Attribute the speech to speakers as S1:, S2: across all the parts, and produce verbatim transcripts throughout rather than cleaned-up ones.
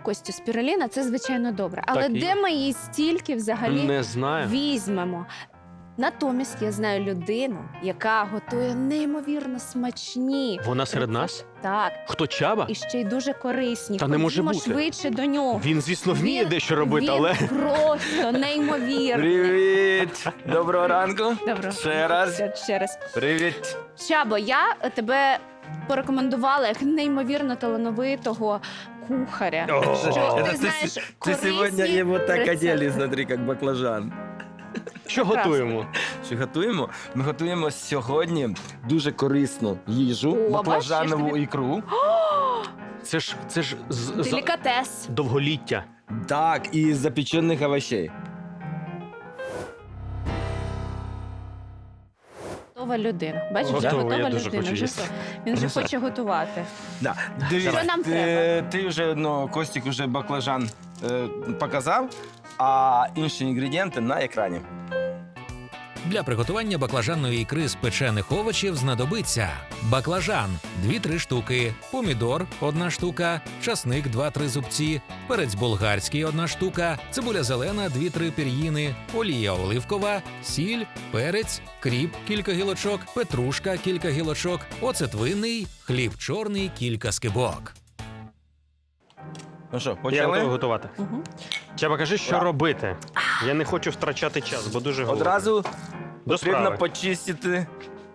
S1: Костю, спіруліна – це, звичайно, добре. Але
S2: Так і
S1: де
S2: є.
S1: ми її стільки взагалі
S2: Не знаю.
S1: візьмемо? Натомість я знаю людину, яка готує неймовірно смачні.
S2: Вона серед нас?
S1: Так,
S2: Хто, Чаба?
S1: і ще й дуже корисні.
S2: Та не може
S1: Ходімо
S2: бути.
S1: швидше до нього.
S2: Він, звісно, вміє
S1: Він-
S2: дещо робити,
S1: він
S2: але...
S1: просто неймовірний.
S3: Привіт! Доброго ранку.
S1: Добре.
S3: Ще раз.
S1: Ще, ще раз.
S3: Привіт.
S1: Чабо, я тебе порекомендувала як неймовірно талановитого кухаря.
S2: О,
S1: Що
S3: Это
S1: ти
S3: ты
S1: знаєш
S3: с- Ты
S1: корисні
S3: сегодня его так
S1: рецепти.
S3: одели, смотри, как баклажан.
S2: Що готуємо?
S3: Що готуємо? Ми готуємо сьогодні дуже корисну їжу,
S1: О,
S3: баклажанову
S1: бачиш,
S3: ікру.
S2: Це ж, це ж з, з
S1: Делікатес.
S2: довголіття.
S3: Так, і запечених овощей.
S1: Готова людина. Бачиш, вже
S2: Готова,
S1: готова
S2: я дуже
S1: людина.
S2: хочу
S1: Вже
S2: їсти.
S1: все. Він вже
S3: Ну,
S1: хоче готувати.
S3: Да.
S1: Що
S3: Дивіться,
S1: нам
S3: ти,
S1: треба?
S3: ти вже, ну, Костік вже баклажан е, показав, а інші інгредієнти на екрані.
S4: Для приготування баклажанної ікри з печених овочів знадобиться баклажан – дві-три штуки, помідор – одна штука, часник – два-три зубці, перець болгарський – одна штука, цибуля зелена – дві-три пір'їни, олія оливкова, сіль, перець, кріп – кілька гілочок, петрушка – кілька гілочок, оцет винний, хліб чорний – кілька скибок.
S3: Ну що,
S2: Я
S3: почали?
S2: готовий готувати.
S1: Угу.
S2: Чаба, кажи, що
S3: Ура.
S2: робити. Я не хочу втрачати час, бо дуже голодний.
S3: Одразу
S2: До
S3: потрібно
S2: справи.
S3: почистити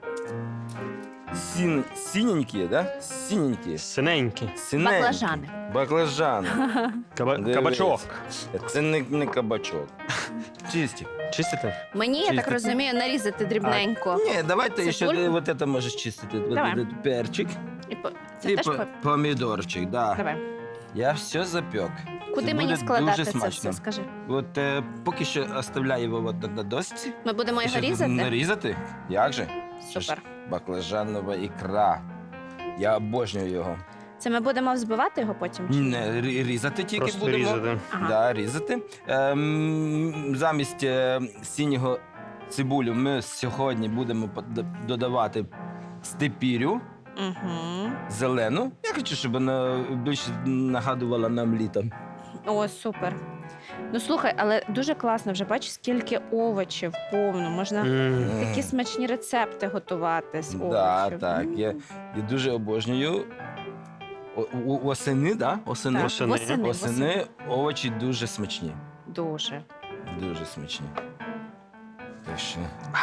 S3: сін... синенькі, да? Синенькі.
S2: Синенький.
S3: Синенькі.
S1: Баклажани.
S3: Баклажани.
S2: Каба...
S3: Дивись.
S2: Кабачок.
S3: Це не, не кабачок. Чисті.
S2: Чистити?
S1: Мені, я так
S3: Чистити.
S1: розумію, нарізати дрібненько.
S3: Ні, давайте ще
S1: Цибульку?
S3: вот это можеш чистити. Вот
S1: Давай.
S3: этот перчик
S1: І по... Це
S3: і
S1: теж
S3: по-
S1: по...
S3: помідорчик. Да.
S1: Давай.
S3: Я все запек.
S1: Куди
S3: Це
S1: мені
S3: буде
S1: складати
S3: дуже
S1: це
S3: смачно.
S1: все, скажи?
S3: От е, поки що оставляю його от на досці.
S1: Ми будемо його
S3: Ще
S1: різати?
S3: Нарізати? Як же? Це ж
S1: Супер.
S3: баклажанова ікра. Я обожнюю його.
S1: Це ми будемо взбивати його потім? чи?
S3: Не, рі- різати тільки
S2: Просто
S3: будемо.
S2: різати.
S1: Ага.
S3: Да, різати. Ем, замість е, синього цибулю ми сьогодні будемо под- додавати степірю
S1: Угу.
S3: зелену. Я хочу, щоб вона більше нагадувала нам літо.
S1: О, супер. Ну слухай, але дуже класно вже бачиш, скільки овочів повно. Можна
S2: М.
S1: такі смачні рецепти готувати з овочів.
S3: Да, так.
S1: М.
S3: Я, я дуже обожнюю. О, о- осени, да? Осени.
S1: Так,
S2: Восени.
S1: восени,
S3: Осени овочі дуже смачні.
S1: Дуже.
S3: Дуже смачні. Так що.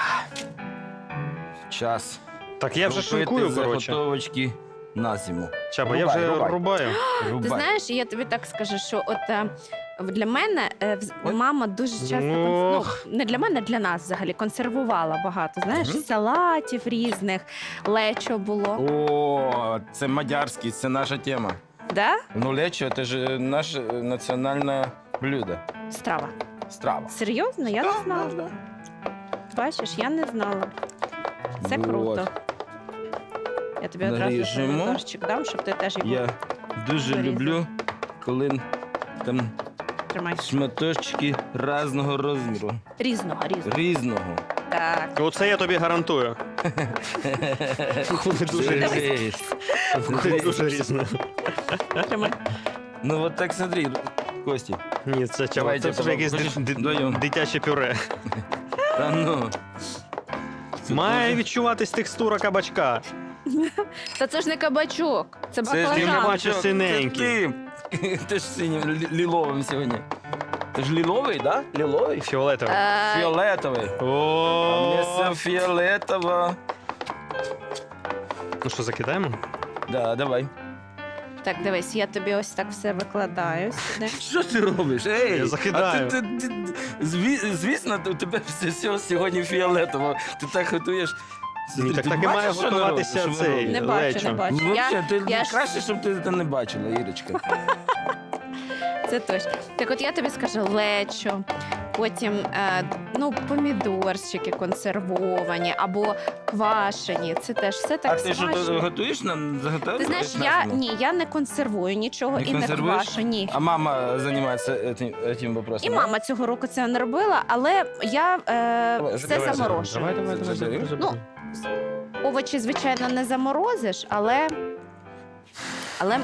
S3: Час.
S2: Так я вже
S3: робити
S2: шинкую, коротше.
S3: заготовочки на зиму.
S2: Чаба, я
S3: Рубай,
S2: вже
S3: рубай.
S2: рубаю.
S1: Ти
S3: Рубай.
S1: знаєш, я тобі так скажу, що от е, для мене е, вз-
S3: Ой.
S1: мама дуже часто конс-
S2: Ох.
S1: ну, не для мене, для нас взагалі консервувала багато. Знаєш,
S3: Мгм.
S1: салатів різних, лечо було.
S3: О, це мадярський, це наша тема.
S1: Да?
S3: Ну, лечо – це ж е, наше е, національне блюдо.
S1: Страва.
S3: Страва.
S1: Серйозно? Я не
S3: Да,
S1: знала.
S3: да, да.
S1: Бачиш, я не знала. Це
S3: Вот.
S1: круто. Я тобі одразу
S3: Наріжемо.
S1: помідорчик дам, щоб ти теж його
S3: Я дуже
S1: Порізав.
S3: люблю, коли там
S1: тримай.
S3: шматочки різного розміру.
S1: Різного, різного.
S3: Різного.
S1: Так.
S2: Оце я тобі гарантую. Вони дуже різні.
S3: Жесть.
S2: Вони дуже різні.
S1: Тримай.
S3: Ну от так смотри, Кості.
S2: Ні, це Чаба,
S3: Давайте,
S2: це вже якесь
S3: хочеш,
S2: ди- ди-
S3: вдвоєм?
S2: дитяче пюре.
S3: Та ну. Це
S2: Має
S3: дуже-
S2: відчуватись текстура кабачка.
S1: Та це ж не кабачок, це
S3: Це ж
S2: Ти
S1: баклажан.
S2: не бачиш синенький.
S3: Це ти. Ти ж синім лі- ліловим сьогодні. Ти ж ліловий, да? Ліловий?
S2: Фіолетовий.
S1: Е,
S3: Фіолетовий. А мені
S2: О,
S3: все фіолетово.
S2: ну що, закидаємо?
S3: Да, давай.
S1: Так, дивись, я тобі ось так все викладаю сюди.
S3: Що ти робиш? Ей,
S2: Я закидаю.
S3: А ти, ти, ти, зві- звісно, у тебе все, все сьогодні фіолетово. Ти так готуєш.
S2: Ні,
S3: Ти-
S2: так
S3: ти
S2: так і
S3: бачиш,
S2: має
S3: що ви
S2: готуватися
S3: робите, що ви
S2: цей
S3: робите?
S1: Не бачу,
S2: лечо.
S1: не бачу.
S3: Ну,
S1: Я,
S3: взагалі, ти
S1: я ж-
S3: краще, щоб ти це не бачила, Ірочка.
S1: Це точно. Так от я тобі скажу лечо, потім е, ну, помідорчики консервовані або квашені. Це теж все так
S3: А ти що
S1: смачно.
S3: ти готуєш нам? Заготовиш?
S1: Ти знаєш,
S3: на
S1: я
S3: зиму?
S1: ні, я не консервую нічого
S3: Не
S1: і не
S3: консервуєш?
S1: квашу, ні.
S3: А мама займається цим, цим вопросом?
S1: І
S3: да?
S1: мама цього року це не робила, але я е,
S3: Давай,
S1: все
S3: давай,
S1: заморожую.
S2: Давай, давай, давай,
S3: Забери.
S2: забери.
S1: Ну, Овочі, звичайно, не заморозиш, але, але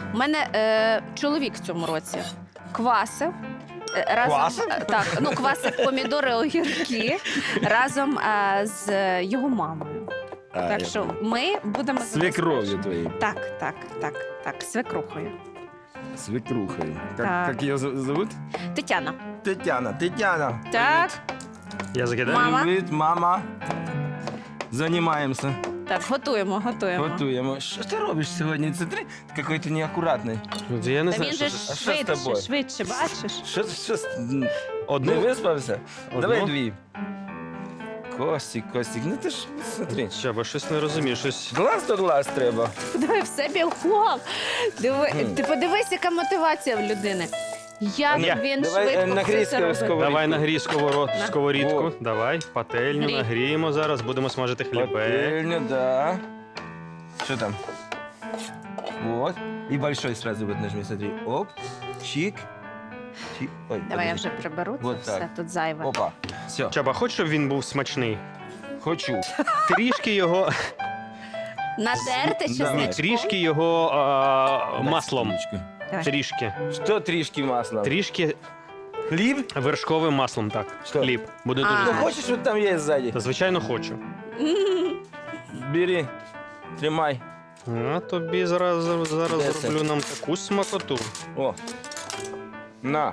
S1: У мене е, чоловік в цьому році квасив. е, Разом,
S3: Квасив?
S1: е, Так, ну квасив помідори, огірки разом е, з його мамою.
S3: А,
S1: Так
S3: я
S1: що
S3: понял.
S1: ми будемо
S3: Свекровью
S1: забезпечені.
S3: твоей.
S1: Так, так, так, так, свекрухою.
S3: Свекрухой. Как,
S1: Так.
S3: как ее за- зовут?
S1: Тетяна.
S3: Тетяна. Тетяна.
S1: Так,
S2: Я закидаю?
S1: Мама.
S3: Привіт, мама. Займаємося.
S1: так, готуємо, готуємо.
S3: Готуємо. Що ти робиш сьогодні? Це ти який-то неакуратний.
S2: Я не
S1: Та
S2: знаю,
S1: він
S2: що
S1: же
S2: це.
S3: А що з
S1: швидше,
S3: тобою?
S1: швидше, бачиш?
S3: Що, що, не
S2: Одну?
S3: виспався?
S2: Одну?
S3: Давай дві. Костік, Костік, ну ти ж смотри.
S2: Чаба, щось не розумію, щось...
S3: Глаз до глаз треба.
S1: Диви, все білком. Диви,
S3: Мгм.
S1: ти подивись, яка мотивація в людини. Як
S2: Я.
S1: він
S3: Давай, е,
S1: швидко
S3: нагрій
S1: все це робить.
S3: сковорідку.
S2: Давай нагрій сковород...
S1: На.
S2: сковорідку.
S3: О.
S2: Давай, пательню
S1: Грій.
S2: нагріємо зараз, будемо смажити хлібе.
S3: Пательня, да. Что там? Вот. И большой сразу вот нажми, смотри. Оп, чик, чик. Ой,
S1: Давай я
S3: подожди.
S1: вже приберу це
S3: Вот
S1: все,
S3: так.
S1: тут зайве.
S3: Опа, все,
S2: Чаба, хочеш, щоб він був смачний?
S3: хочу.
S2: Трішки його,
S1: Натерти
S3: Да.
S1: чесничком.
S2: трішки його а, маслом.
S3: Секундочку.
S1: Давай.
S2: Трішки.
S3: Что трішки масла?
S2: Трішки
S3: Хліб?
S2: вершковим маслом, так.
S3: Що?
S2: Хліб. Буде
S1: А.
S2: дуже
S3: Ну,
S2: смачно.
S3: хочешь, вот там есть сзади?
S2: Та, звичайно, хочу.
S1: М,
S3: Бери, тримай.
S2: А тобі зараз, зараз
S3: Де це?
S2: зроблю нам таку смакоту.
S3: О, на.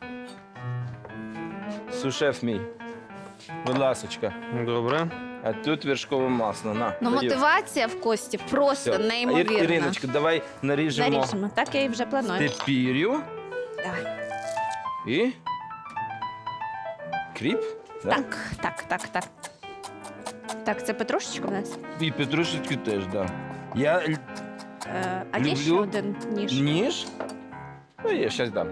S3: Сушеф мій. Будь ласочка.
S2: Добре.
S3: А тут вершкове масло, на.
S1: Ну,
S3: даю.
S1: мотивація в Кості просто
S3: Всё.
S1: неймовірна.
S3: Ір- Іриночка, давай наріжемо
S1: Наріжемо, так я і вже планую.
S3: тепір'ю.
S1: Давай.
S3: І кріп. да?
S1: Так, так, так, так. Так, це петрушечка в нас.
S3: І петрушечки теж, так. Да. Я л-
S1: Е, а є ще
S3: Люблю.
S1: один ніж.
S3: ніж. Ну, я зараз дам.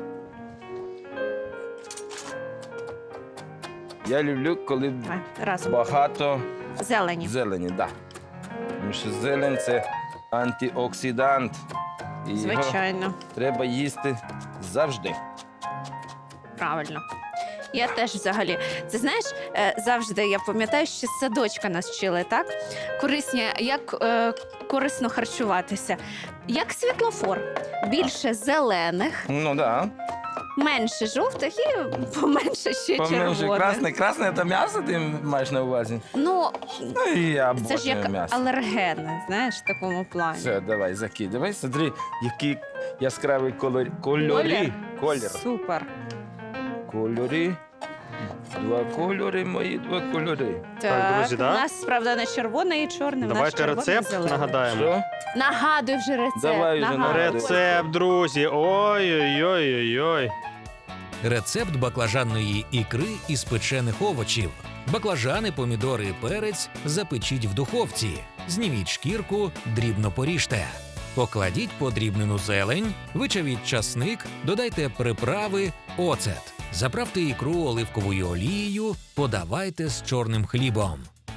S3: Я люблю, коли
S1: Давай, разом.
S3: багато
S1: Зелені.
S3: зелені, так. Да. Тому що зелень це антиоксидант. І його
S1: Звичайно,
S3: треба їсти завжди.
S1: правильно. Я теж взагалі. Це знаєш, е, завжди я пам'ятаю, що з садочка нас вчили, так? Корисні, як е, корисно харчуватися. Як світлофор. Більше зелених,
S3: Ну, так. Да.
S1: менше жовтих і поменше ще
S3: Поменше
S1: червоних.
S3: красне. Красне це м'ясо ти маєш на увазі?
S1: Ну,
S3: Ну, і я
S1: це ж
S3: обожнюю
S1: як
S3: м'ясо.
S1: алергени, знаєш, в такому плані.
S3: Все, давай, закидывай. Смотри, який яскравий колор... кольорі. Колір.
S1: Супер.
S3: Кольори. Два кольори, мої два кольори.
S1: Так,
S2: друзі,
S1: у
S2: да?
S1: нас, правда, не червоний і чорний, у нас
S2: Давайте
S1: червоний і
S2: рецепт
S1: зелений.
S2: нагадаємо.
S3: Що?
S1: Нагадуй вже рецепт.
S3: Давай вже
S1: нагадуй.
S3: нагадуй.
S2: Рецепт, друзі. Ой-ой-ой-ой-ой.
S4: Рецепт баклажанної ікри із печених овочів. Баклажани, помідори і перець запечіть в духовці. Зніміть шкірку, дрібно поріжте. Покладіть подрібнену зелень, вичавіть часник, додайте приправи, оцет. Заправте ікру оливковою олією, подавайте з чорним хлібом.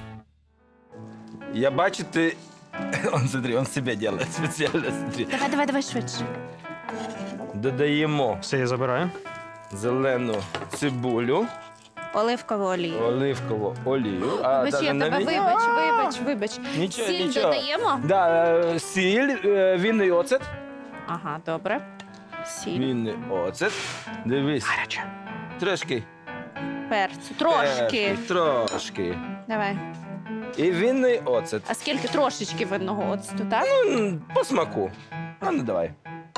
S3: Я бачу, ти... Он, смотри, он себе делает спеціально, смотри.
S1: Давай, давай, давай швидше.
S3: Додаємо
S2: Все, я забираю.
S3: зелену цибулю,
S1: Оливкову олію.
S3: оливкову олію. А,
S1: Вибач,
S3: даже
S1: я
S3: на
S1: тебе
S3: мені-
S1: вибач,
S3: А,
S1: вибач, вибач.
S3: Нічого,
S1: Сіль
S3: нічого.
S1: додаємо?
S3: Да, е, сіль, е, вінний оцет.
S1: Ага, добре. Сіль,
S3: Вінний оцет. Дивись.
S2: Гаряче.
S3: Трошки.
S1: перцю. Трошки.
S3: Трошки.
S1: Давай.
S3: І вінний оцет.
S1: А скільки трошечки винного оцту, так?
S3: М, По смаку. А ну давай.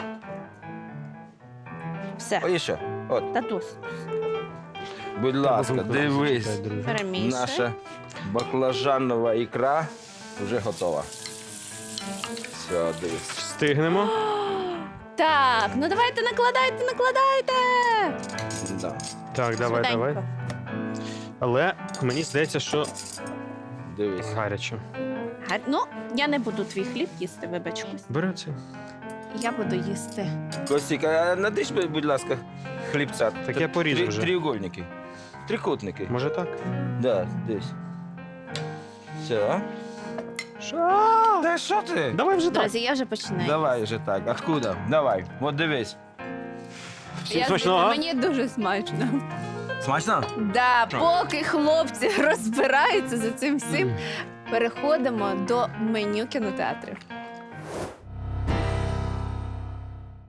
S1: Все.
S3: О, і ще. От,
S1: Та досить.
S3: будь ласка,
S2: Чекай,
S3: дивись.
S2: друзі.
S1: Перемішуй.
S3: Наша баклажанова ікра вже готова. Все, дивись.
S2: Встигнемо.
S1: Так, ну давайте накладайте, накладайте.
S3: Да.
S2: Так, давай,
S1: Швиденько.
S2: давай. Але мені здається, що
S3: Дивись.
S2: гаряче.
S1: Га- Ну, я не буду твій хліб їсти, вибач, Кость.
S2: Бери це.
S1: Я буду їсти.
S3: Костік, а надиш, будь ласка, хлібця.
S2: Так я порізав
S3: Три-
S2: вже.
S3: Трикутники. Трикутники.
S2: Може так?
S3: Да, десь. Все.
S2: Що?
S3: Та що ти?
S2: Давай вже так.
S1: Друзі, я вже починаю.
S3: Давай вже так. Откуда? Давай. От дивись.
S2: Всім
S1: Я-
S2: смачного.
S1: Мені дуже смачно.
S3: Смачно?
S1: Да,
S3: Що?
S1: поки хлопці розбираються за цим всім,
S2: М.
S1: переходимо до меню кінотеатрів.